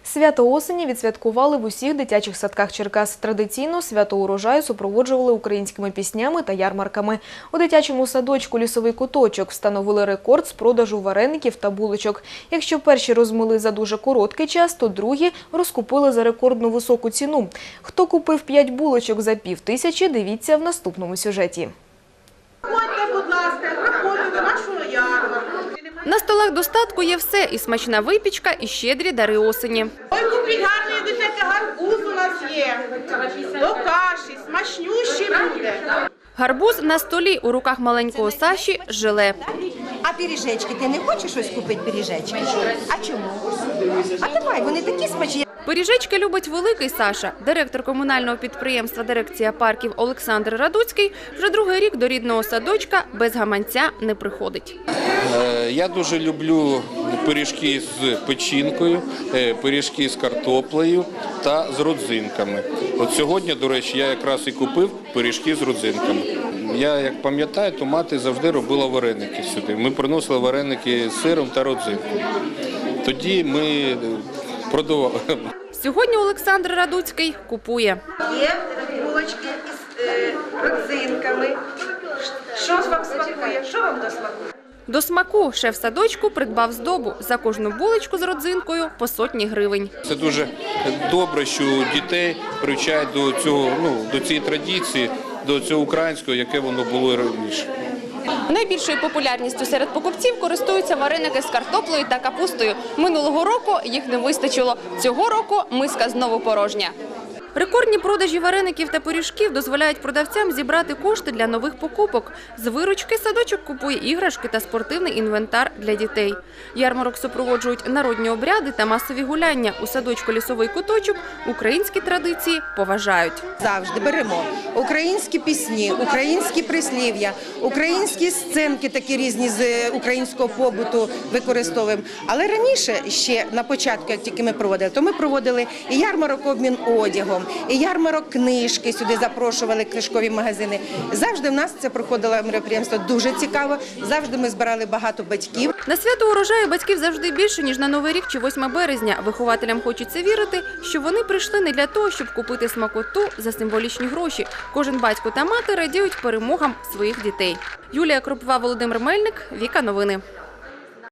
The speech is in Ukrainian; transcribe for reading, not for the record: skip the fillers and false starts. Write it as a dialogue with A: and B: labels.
A: Свято осені відсвяткували в усіх дитячих садках Черкас. Традиційно свято урожаю супроводжували українськими піснями та ярмарками. У дитячому садочку «Лісовий куточок» встановили рекорд з продажу вареників та булочок. Якщо перші розмили за дуже короткий час, то другі розкупили за рекордну високу ціну. Хто купив 5 булочок за 5000, дивіться в наступному сюжеті.
B: Приходьте, будь ласка, приходьте до нашого ярмарку.
C: На столах достатку є все – і смачна випічка, і щедрі дари осені.
B: Ой, купіть гарний дитячий гарбуз у нас є. До каші, смачнющий буде.
C: Гарбуз на столі, у руках маленького Саші – желе.
D: А пиріжечки, ти не хочеш щось купити пиріжечки? А чому? А давай, вони такі смачні.
C: Пиріжечки любить великий Саша. Директор комунального підприємства «Дирекція парків» Олександр Радуцький вже другий рік до рідного садочка без гаманця не приходить.
E: Я дуже люблю пиріжки з печінкою, пиріжки з картоплею та з родзинками. От сьогодні, до речі, я якраз і купив пиріжки з родзинками. Я, як пам'ятаю, то мати завжди робила вареники сюди. Ми приносили вареники з сиром та родзинкою. Тоді ми продавали.
C: Сьогодні Олександр Радуцький купує.
B: Є булочки з родзинками. Що вам смакує? Що вам до смаку?
C: До смаку шеф садочку придбав здобу. За кожну булочку з родзинкою по 100 гривень.
E: Це дуже добре, що дітей привчають до цієї традиції, до цього українського, яке воно було раніше.
C: Найбільшою популярністю серед покупців користуються вареники з картоплею та капустою. Минулого року їх не вистачило. Цього року миска знову порожня. Рекордні продажі вареників та пиріжків дозволяють продавцям зібрати кошти для нових покупок. З виручки садочок купує іграшки та спортивний інвентар для дітей. Ярмарок супроводжують народні обряди та масові гуляння. У садочку «Лісовий куточок» українські традиції поважають.
D: Завжди беремо українські пісні, українські прислів'я, українські сценки такі різні з українського побуту використовуємо. Але раніше, ще на початку, як тільки ми проводили, то ми проводили і ярмарок обмін одягом, і ярмарок книжки, сюди запрошували книжкові магазини. Завжди в нас це проходило мероприємство дуже цікаво, завжди ми збирали багато батьків.
C: На свято урожаю батьків завжди більше, ніж на Новий рік чи 8 березня. Вихователям хочеться вірити, що вони прийшли не для того, щоб купити смакоту за символічні гроші. Кожен батько та мати радіють перемогам своїх дітей. Юлія Кропова, Володимир Мельник, Віка Новини.